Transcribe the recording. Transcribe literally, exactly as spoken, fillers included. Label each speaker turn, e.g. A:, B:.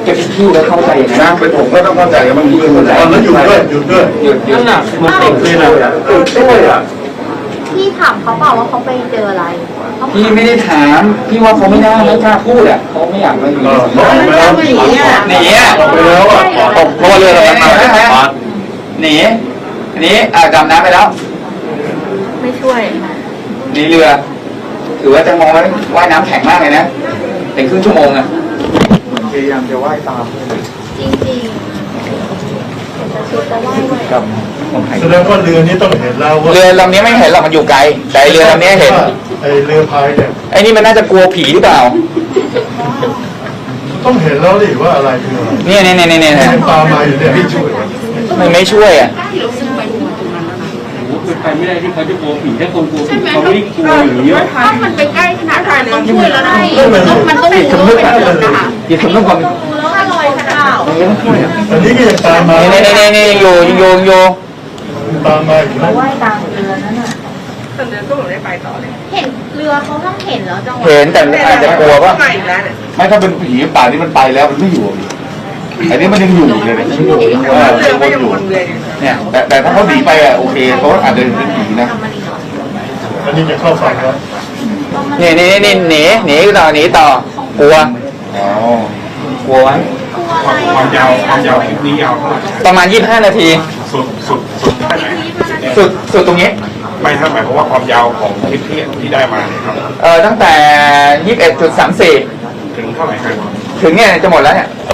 A: จะเป็นพี่แล้วเข้าใจอย่างนั้น
B: นะเป็นผมก็ต้องเข้าใจว่ามันมีคนแล้วแล้วหยุดด้วยหยุดด้วย
A: หยุดหยุดน่ะมันติดเลยนะติดด้วยอ่ะ
C: พี่ถามเขาเปล่าว่าเขาไปเจออะไรเขา
A: พี่ไม่ได้ถามพี่ว่าเขาไม่น่าไม่กล้าพูดอ่ะเขาไม่อยากมาอยู่
B: เออบอกไปแล้ว
C: หนีอ่ะ
A: หนีอ่ะ
B: บอกไปแล้วอ่ะ
A: เพราะว่าเรือเรามาหนีอันนี้อ่าดำน้ำไปแล้ว
C: ไม่ช่วย
A: หนีเรือถือว่าจะมองว่าว่ายน้ำแข็งมากเลยนะเป็นครึ่งชั่วโมงอ่ะ
B: พยายามจะว่ายตาม
C: จริงจริงจะชุดจะไหว้ไว้
A: กับคนไทย
D: แสดงว่าเรือนี้ต้องเห็นแล้วว่า
A: เรือลำนี้ไม่เห็นหรอกมันอยู่ไกลแต่เรือลำนี้เห็น
D: ไอเรือพายเนี่ย
A: ไอ้นี่มันน่าจะกลัวผีหรือเปล่า
D: ต้องเห็นแล้วดิว่าอะไรคืออะไร
A: เนี่ยเนี่ยเนี่ยเนี่ย
D: ยังตามมาอยู่เนี่ยพี่ช่วย
A: มันไม่ช่วยอ่ะ
E: เป็นไปไม่ได้ที่เขาจะกลัวผีถ้าคนกลัวผีเขาไม่ได้กลัวอย่างนี้
C: ถ้ามันไปใกล้ขนาดนั้นต้องช่วยแล้วนะมันต้องมันต้องรู้ว่าเป็นคนนะคะ
A: อย่าทำเรื่องความ
C: รู้แล้วว่าลอยขนาด
A: ไม่ต้องช่วยอ่ะ
D: อันนี้ก็ยังตามมา
A: นี่นี่นี่นี่ยังอยู่ยังอยู่ยังอยู่
D: ตามมาอยู่นะ
C: ว่ายตามเรือนั่นน่ะ
F: แต่เดินก็เหมือนได้ไปต่อเลย
C: เห็นเรือเขาต้องเห็นแล้วจังหวะ
A: เห็นแต่อาจจะกลัวว่า
F: มาอีกแล้วเนี่ย
B: ไม่ถ้าเป็นผีป่านี่มันไปแล้วมันไม่อยู่อันนี้มันยังอยู่เลยนะยังอยู่เออ
F: เรือ
B: ยัง
F: ก็
B: วน
F: ยัง
B: อยู่
F: วนเวียนอยู่
B: เนี่ยแต่แต่ถ้าเขาหนีไปอ่ะโอเคเขาอาจจะเป็นผีนะ
D: อันนี้จะเข้าฝั่งแล้ว
A: นี่นี่นี่หนีหนีต่อหนีต่อกลัว
B: อ๋อก
A: ลัวไว้
E: ความความยาวความยาวคลิปนี้ยาวเท่าไหร่
A: ประมาณยี่สิบห้านาที
E: สุดสุดสุดแค่ไหน
A: สุดสุดตรงนี้
E: ไม่ถ้าหมายความว่าความยาวของคลิปที่ที่ได้มาเนี่ยครับ
A: เออตั้งแต่ยี่สิบเอ็ดจุดสามสี่
E: ถึงเท่าไหร่ครับ
A: ถึงเนี่ยจะหมดแล้วเนี่ย